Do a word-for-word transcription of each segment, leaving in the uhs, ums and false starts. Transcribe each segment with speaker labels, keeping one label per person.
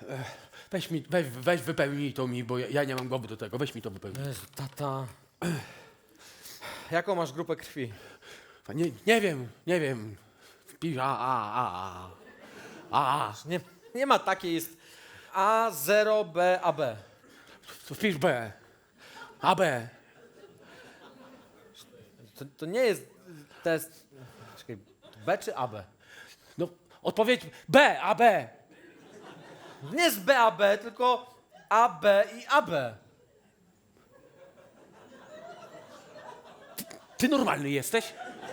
Speaker 1: Weź mi, weź, weź wypełnij to mi, bo ja, ja nie mam głowy do tego. Weź mi to wypełnij.
Speaker 2: Jezu, tata. Jaką masz grupę krwi?
Speaker 1: Nie, nie wiem, nie wiem. Wpisz A, A, A, A. A,
Speaker 2: Nie, nie ma takiej, jest A zero B A B.
Speaker 1: to wpisz B. A, B.
Speaker 2: To, to nie jest test... Czekaj, B czy A B?
Speaker 1: No, odpowiedź B, A, B.
Speaker 2: Nie jest B A B, tylko A B i A B.
Speaker 1: Ty normalny jesteś?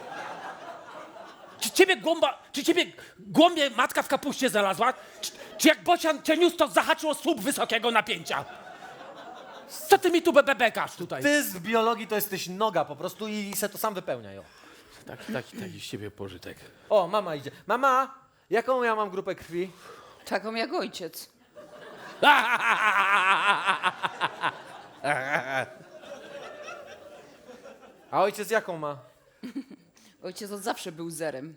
Speaker 1: Czy ciebie głąba, czy ciebie głąbie matka w kapuście znalazła? Czy, czy jak bocian cię niósł, to zahaczyło słup wysokiego napięcia? Co ty mi tu bebekasz tutaj?
Speaker 2: Ty z biologii to jesteś noga po prostu i se to sam wypełniaj. O,
Speaker 1: Taki, taki, taki z ciebie pożytek.
Speaker 2: o mama idzie. Mama, jaką ja mam grupę krwi?
Speaker 3: Taką jak ojciec.
Speaker 2: A ojciec jaką ma?
Speaker 3: Ojciec od zawsze był zerem.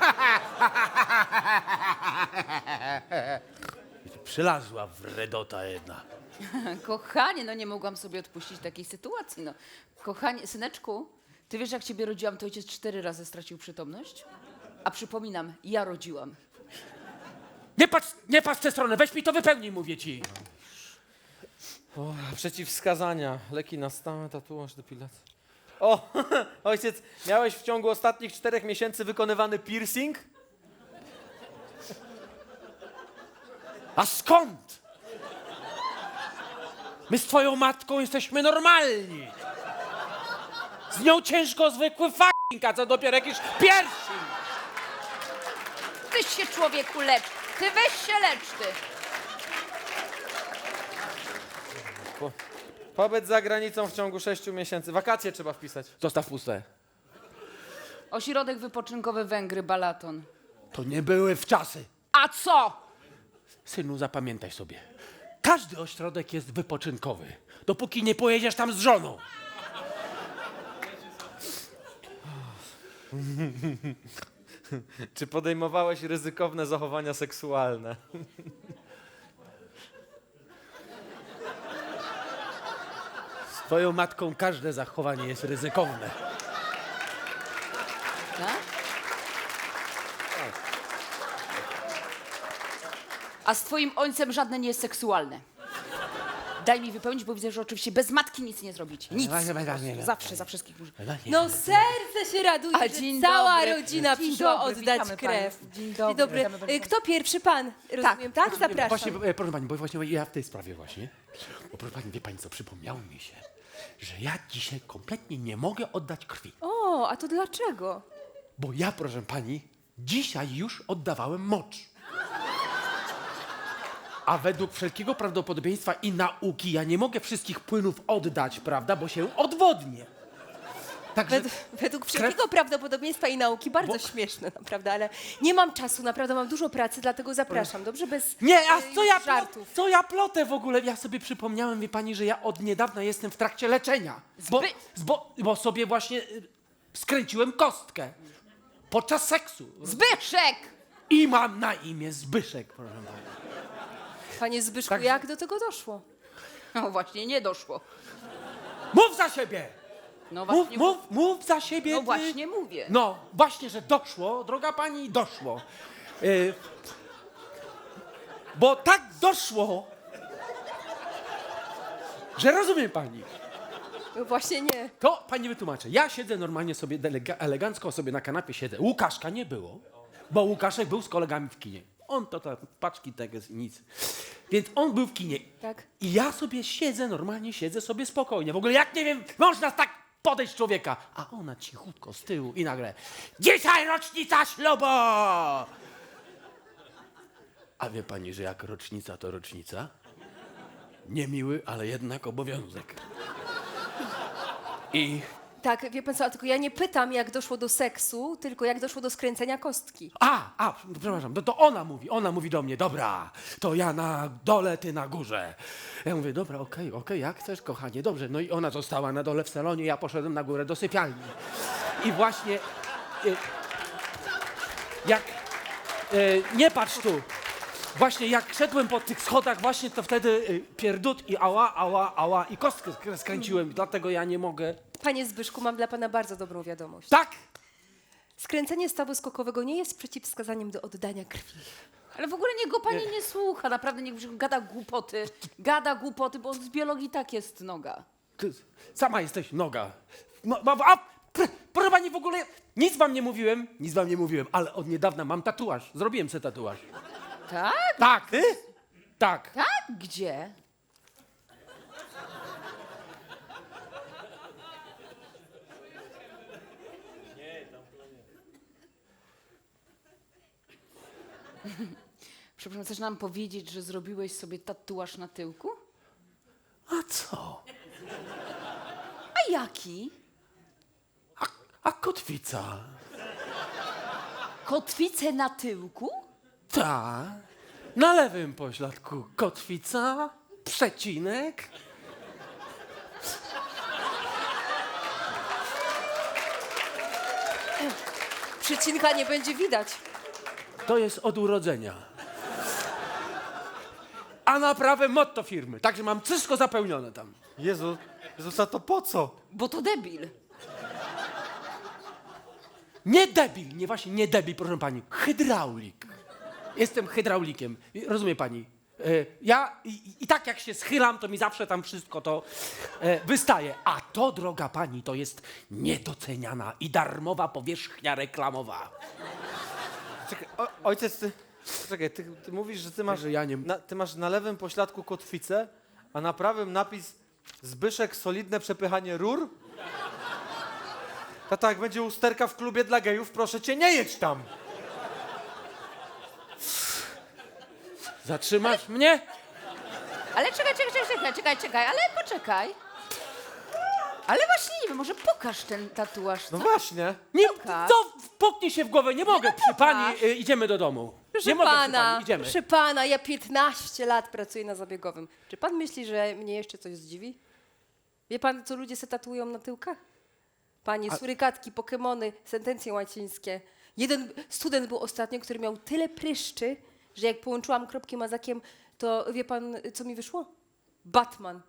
Speaker 1: Przylazła wredota jedna.
Speaker 3: Kochanie, no nie mogłam sobie odpuścić takiej sytuacji, no. Kochanie, syneczku, ty wiesz, jak ciebie rodziłam, to ojciec cztery razy stracił przytomność? A przypominam, ja rodziłam.
Speaker 1: Nie patrz, nie patrz w tę stronę, weź mi to wypełnij, mówię ci.
Speaker 2: O, przeciwwskazania, leki na stałe, tatuaż, depilacja. O, ojciec, miałeś w ciągu ostatnich czterech miesięcy wykonywany piercing?
Speaker 1: A skąd? My z twoją matką jesteśmy normalni. Z nią ciężko zwykły f***ing, a co dopiero jakiś pierwszy.
Speaker 3: Ty się, człowieku, lecz. Ty weź się lecz, ty.
Speaker 2: Po, pobyt za granicą w ciągu sześciu miesięcy. Wakacje trzeba wpisać.
Speaker 1: Zostaw puste.
Speaker 3: Ośrodek wypoczynkowy Węgry, Balaton.
Speaker 1: To nie były wczasy.
Speaker 3: A co?
Speaker 1: Synu, zapamiętaj sobie. Każdy ośrodek jest wypoczynkowy, dopóki nie pojedziesz tam z żoną.
Speaker 2: Czy podejmowałeś ryzykowne zachowania seksualne?
Speaker 1: Z twoją matką każde zachowanie jest ryzykowne.
Speaker 3: Tak? A z twoim ojcem żadne nie jest seksualne. Daj mi wypełnić, bo widzę, że oczywiście bez matki nic nie zrobicie. Nic.
Speaker 1: Dawaj, dawaj, dawaj, dawaj.
Speaker 3: Zawsze za wszystkich muszę.
Speaker 4: No serce się raduje,
Speaker 3: A,
Speaker 4: że
Speaker 3: dzień
Speaker 4: cała
Speaker 3: dobry.
Speaker 4: rodzina
Speaker 3: Dzień
Speaker 4: przyszła
Speaker 3: dobry,
Speaker 4: oddać
Speaker 3: witamy
Speaker 4: krew.
Speaker 3: państwa. Dzień dobry. Witamy bardzo.
Speaker 4: Y, Kto pierwszy? Pan, rozumiem, tak? Zapraszam.
Speaker 1: Właśnie, e, proszę pani, bo właśnie ja w tej sprawie właśnie, bo proszę pani, wie pani co, przypomniało mi się, że ja dzisiaj kompletnie nie mogę oddać krwi.
Speaker 4: O, a to dlaczego?
Speaker 1: Bo ja, proszę pani, dzisiaj już oddawałem mocz. A według wszelkiego prawdopodobieństwa i nauki ja nie mogę wszystkich płynów oddać, prawda, bo się odwodnię. Także
Speaker 4: Według, według wszelkiego prawdopodobieństwa i nauki bardzo
Speaker 1: Bo-
Speaker 4: śmieszne, naprawdę, ale nie mam czasu, naprawdę mam dużo pracy, dlatego zapraszam, dobrze? Bez
Speaker 1: Nie, a
Speaker 4: y,
Speaker 1: co ja,
Speaker 4: żartów.
Speaker 1: co ja plotę w ogóle? Ja sobie przypomniałem, wie pani, że ja od niedawna jestem w trakcie leczenia. Bo,
Speaker 3: Zby-
Speaker 1: bo, bo sobie właśnie y, skręciłem kostkę podczas seksu.
Speaker 3: Zbyszek!
Speaker 1: I mam na imię Zbyszek, proszę pana.
Speaker 4: Panie Zbyszku,
Speaker 1: Także-
Speaker 4: jak do tego doszło?
Speaker 3: No właśnie, nie doszło.
Speaker 1: Mów za siebie!
Speaker 3: No
Speaker 1: Mów,
Speaker 3: właśnie,
Speaker 1: mów, mów za siebie.
Speaker 3: no
Speaker 1: ty.
Speaker 3: właśnie mówię.
Speaker 1: No, właśnie, że doszło, droga pani, doszło. Y, bo tak doszło, że rozumie pani.
Speaker 4: No właśnie nie.
Speaker 1: To pani wytłumaczę. Ja siedzę normalnie sobie, delega- elegancko sobie na kanapie siedzę. Łukaszka nie było, bo Łukaszek był z kolegami w kinie. On to tak, paczki tego, nic. Więc on był w kinie.
Speaker 4: Tak.
Speaker 1: I ja sobie siedzę, normalnie siedzę sobie spokojnie. W ogóle jak nie wiem, można tak podejść człowieka. A ona cichutko z tyłu i nagle dzisiaj rocznica ślubu! A wie pani, że jak rocznica to rocznica? Niemiły, ale jednak obowiązek. I
Speaker 4: Tak, wie pan co, a tylko ja nie pytam, jak doszło do seksu, tylko jak doszło do skręcenia kostki.
Speaker 1: A, a, przepraszam, to, to ona mówi, ona mówi do mnie, dobra, to ja na dole, ty na górze. Ja mówię, dobra, okej, okej, jak chcesz, kochanie, dobrze. No i ona została na dole w salonie, ja poszedłem na górę do sypialni. I właśnie, y, jak, y, nie patrz tu, Właśnie jak szedłem po tych schodach, właśnie to wtedy y, pierdut i ała, ała, ała i kostkę sk- skręciłem, dlatego ja nie mogę.
Speaker 4: Panie Zbyszku, mam dla pana bardzo dobrą wiadomość.
Speaker 1: Tak!
Speaker 4: Skręcenie stawu skokowego nie jest przeciwwskazaniem do oddania krwi.
Speaker 3: Ale w ogóle niech go pani nie słucha, naprawdę niech Brzychu gada głupoty. Gada głupoty, bo z biologii tak jest noga.
Speaker 1: Ty sama jesteś noga. No, no, a, pr, proszę pani, w ogóle nic wam nie mówiłem, nic wam nie mówiłem, ale od niedawna mam tatuaż. Zrobiłem sobie tatuaż.
Speaker 3: Tak?
Speaker 1: Tak. Ty? Tak.
Speaker 3: Tak? Gdzie? Przepraszam, chcesz nam powiedzieć, że zrobiłeś sobie tatuaż na tyłku?
Speaker 1: A co?
Speaker 3: A jaki?
Speaker 1: A, a kotwica?
Speaker 3: Kotwicę na tyłku?
Speaker 1: Ta. Na lewym pośladku kotwica, przecinek.
Speaker 4: Przecinka nie będzie widać.
Speaker 1: To jest od urodzenia. A na prawe motto firmy. Także mam wszystko zapełnione tam.
Speaker 2: Jezu, Jezus, a to po co?
Speaker 3: Bo to debil.
Speaker 1: Nie debil, nie właśnie nie debil, proszę pani. Hydraulik. Jestem hydraulikiem. I- Rozumie pani? E, ja i, i tak jak się schylam, to mi zawsze tam wszystko to e, wystaje. A to, droga pani, to jest niedoceniana i darmowa powierzchnia reklamowa.
Speaker 2: Czekaj, o, ojciec, ty, czekaj, ty, ty mówisz, że ty masz,
Speaker 1: Że ja nie-
Speaker 2: na, ty masz na lewym pośladku kotwicę, a na prawym napis Zbyszek, solidne przepychanie rur? Tata, jak będzie usterka w klubie dla gejów, proszę cię, nie jedź tam.
Speaker 1: Zatrzymasz mnie?
Speaker 3: Ale czekaj, czekaj, czekaj, czekaj, czekaj, czekaj, ale poczekaj. Ale właśnie nie wiem, może pokaż ten tatuaż, co?
Speaker 2: No właśnie.
Speaker 1: Nie,
Speaker 3: Pokaż.
Speaker 1: to puknij się w głowę, nie mogę. Przy pani y, idziemy do domu.
Speaker 4: Proszę
Speaker 1: nie mogę przy
Speaker 4: pana,
Speaker 1: pani, idziemy.
Speaker 4: proszę pana, ja piętnaście lat pracuję na zabiegowym. Czy pan myśli, że mnie jeszcze coś zdziwi? Wie pan, co ludzie se tatuują na tyłkach? Panie, surykatki, pokemony, sentencje łacińskie. Jeden student był ostatnio, który miał tyle pryszczy, że jak połączyłam kropki mazakiem, to wie pan, co mi wyszło? Batman.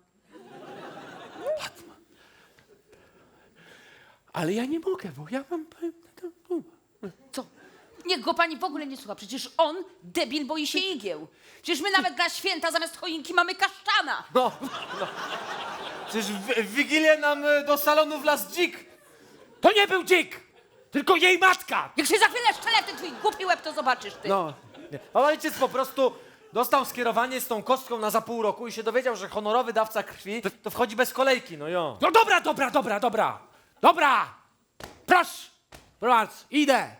Speaker 1: Ale ja nie mogę, bo ja mam...
Speaker 3: Co? Niech go pani w ogóle nie słucha. Przecież on, debil, boi się igieł. Przecież my nawet na święta zamiast choinki mamy kaszczana.
Speaker 2: No, no. Przecież w, w Wigilię nam y, do salonu wlazł dzik.
Speaker 1: To nie był dzik, tylko jej matka.
Speaker 3: Jak się za chwilę szczelety twój głupi łeb, to zobaczysz ty.
Speaker 1: No,
Speaker 2: Nie. A ojciec po prostu dostał skierowanie z tą kostką na za pół roku i się dowiedział, że honorowy dawca krwi to wchodzi bez kolejki, no jo.
Speaker 1: no dobra, dobra, dobra, dobra. Dobra, proszę, proszę, idę.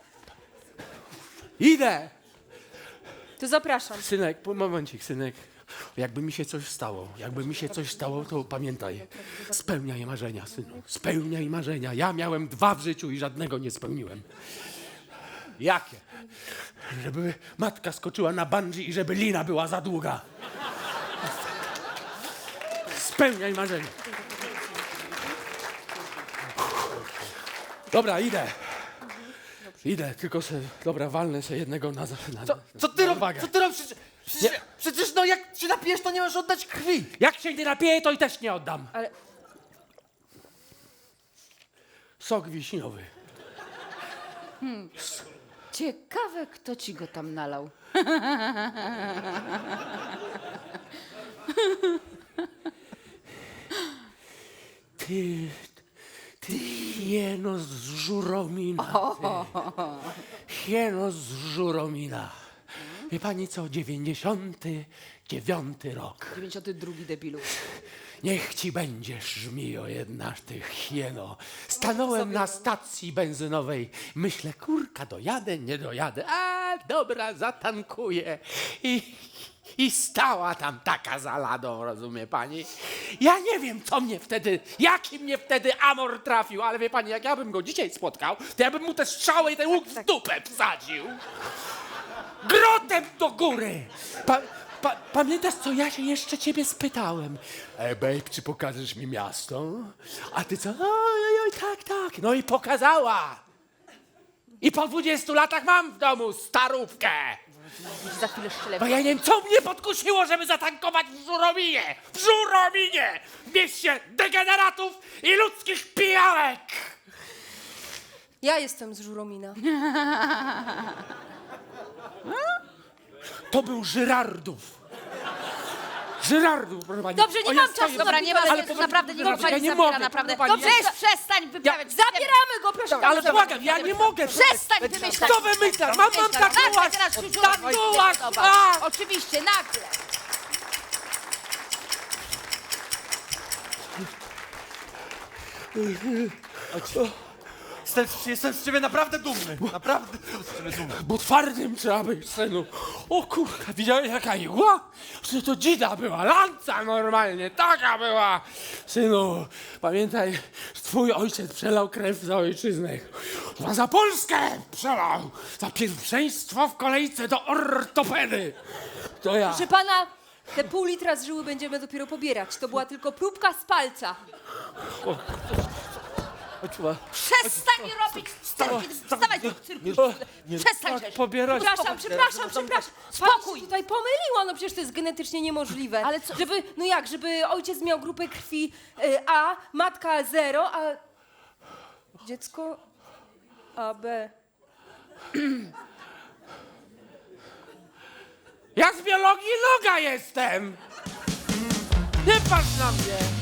Speaker 1: Idę.
Speaker 4: To zapraszam.
Speaker 1: Synek, po- momencik, synek. Jakby mi się coś stało, jakby mi się coś stało, to pamiętaj, spełniaj marzenia, synu, spełniaj marzenia. Ja miałem dwa w życiu i żadnego nie spełniłem.
Speaker 2: Jakie?
Speaker 1: Żeby matka skoczyła na bungee i żeby lina była za długa. Spełniaj marzenia. Dobra, idę. Idę, tylko se, dobra, walnę se jednego na... na
Speaker 2: Co, co ty
Speaker 1: na
Speaker 2: robisz?
Speaker 1: wagę.
Speaker 2: Co ty robisz? Przecież, przecież, przecież no jak się napijesz, to nie możesz oddać krwi.
Speaker 1: Jak się nie napieję, to i też nie oddam.
Speaker 4: Ale
Speaker 1: Sok wiśniowy.
Speaker 3: Ciekawe, kto ci go tam nalał.
Speaker 1: Ty, ty hieno z Żuromina. Ty. Hieno z Żuromina. Wie pani co, dziewięćdziesiąty dziewiąty rok.
Speaker 3: dziewięćdziesiąty drugi debilu.
Speaker 1: Niech ci będzie, żmijo jedna, ty hieno. Stanąłem na stacji benzynowej. Myślę, kurka, dojadę, nie dojadę. A, dobra, zatankuję. I, I stała tam taka za ladą, rozumie pani? Ja nie wiem, co mnie wtedy, jaki mnie wtedy amor trafił, ale wie pani, jak ja bym go dzisiaj spotkał, to ja bym mu te strzały i ten łuk w dupę wsadził. Grotem do góry! Pa, pa, pamiętasz, co ja się jeszcze ciebie spytałem? E, babe, czy pokażesz mi miasto? A ty co? Oj, oj, oj, tak, tak. No i pokazała. I po dwudziestu latach mam w domu starówkę.
Speaker 3: Za chwilę szczelę.
Speaker 1: Bo ja nie wiem, co mnie podkusiło, żeby zatankować w Żurominie. W Żurominie! W mieście degeneratów i ludzkich pijawek.
Speaker 4: Ja jestem z Żuromina.
Speaker 1: To był Żyrardów. Żyrardów, proszę pani.
Speaker 4: Dobrze, nie
Speaker 1: O,
Speaker 4: mam
Speaker 1: stoję-
Speaker 4: czasu.
Speaker 3: Dobra, nie ma
Speaker 1: Ale
Speaker 3: sensu,
Speaker 1: powoli-
Speaker 3: naprawdę nie
Speaker 1: Dobrze,
Speaker 3: mogę pani
Speaker 1: ja nie
Speaker 3: zabiera,
Speaker 1: mogę,
Speaker 3: naprawdę.
Speaker 1: proszę pani,
Speaker 3: Dobrze,
Speaker 1: ja-
Speaker 3: przestań wyprawiać.
Speaker 4: Zabieramy go, proszę
Speaker 1: Ale
Speaker 4: bardzo.
Speaker 1: błagam, ja nie mogę.
Speaker 3: Przestań wymyślać.
Speaker 1: Co wymyślasz? Mam, mam
Speaker 3: Nagle
Speaker 1: tatuaż.
Speaker 3: teraz Żużurowi
Speaker 1: Tatuaż.
Speaker 3: się podoba.
Speaker 1: A!
Speaker 3: Oczywiście, nagle.
Speaker 2: Jestem, jestem z ciebie naprawdę dumny. Naprawdę jestem z ciebie dumny.
Speaker 1: Bo twardym trzeba być, synu. O kurka, widziałeś jaka igła? Że to dzida była, lanca normalnie, taka była. Synu, pamiętaj, że twój ojciec przelał krew za ojczyznę. A za Polskę przelał. Za pierwszeństwo w kolejce do ortopedy. To ja.
Speaker 4: Proszę pana, te pół litra z żyły będziemy dopiero pobierać. To była tylko próbka z palca.
Speaker 3: Przestań robić cyrki. Wstawaj do cyrku. Przestań, Rzesz.
Speaker 1: Pobierać.
Speaker 4: Przepraszam, przepraszam, przepraszam.
Speaker 3: Spokój.
Speaker 4: Pani się tutaj pomyliła, no przecież to jest genetycznie niemożliwe.
Speaker 3: Ale co-
Speaker 4: Żeby, no jak, żeby ojciec miał grupę krwi y, A, matka zero, a dziecko A B.
Speaker 1: Ja z biologii noga jestem. Nie patrz na mnie.